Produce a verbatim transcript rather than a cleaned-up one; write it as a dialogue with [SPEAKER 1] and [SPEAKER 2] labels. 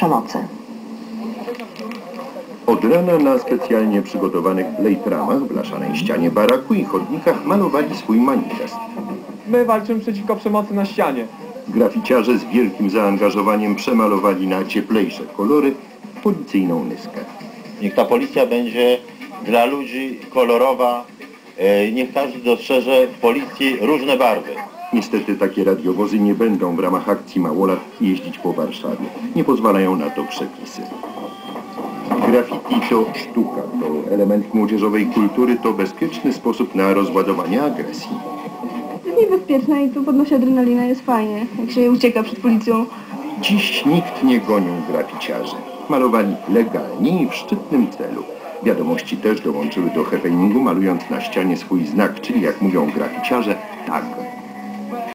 [SPEAKER 1] przemocy.
[SPEAKER 2] Od rana na specjalnie przygotowanych lejtramach w blaszanej ścianie baraku i chodnikach malowali swój manifest.
[SPEAKER 3] My walczymy przeciwko przemocy na ścianie.
[SPEAKER 2] Graficiarze z wielkim zaangażowaniem przemalowali na cieplejsze kolory policyjną nyskę.
[SPEAKER 4] Niech ta policja będzie dla ludzi kolorowa, niech każdy dostrzeże w policji różne barwy.
[SPEAKER 2] Niestety takie radiowozy nie będą w ramach akcji Małolat jeździć po Warszawie. Nie pozwalają na to przepisy. Graffiti to sztuka, to element młodzieżowej kultury, to bezpieczny sposób na rozładowanie agresji.
[SPEAKER 5] Jest niebezpieczne i to podnosi adrenalinę, jest fajnie, jak się ucieka przed policją.
[SPEAKER 2] Dziś nikt nie gonił graficiarzy. Malowali legalnie i w szczytnym celu. Wiadomości też dołączyły do happeningu, malując na ścianie swój znak, czyli jak mówią graficiarze, tag.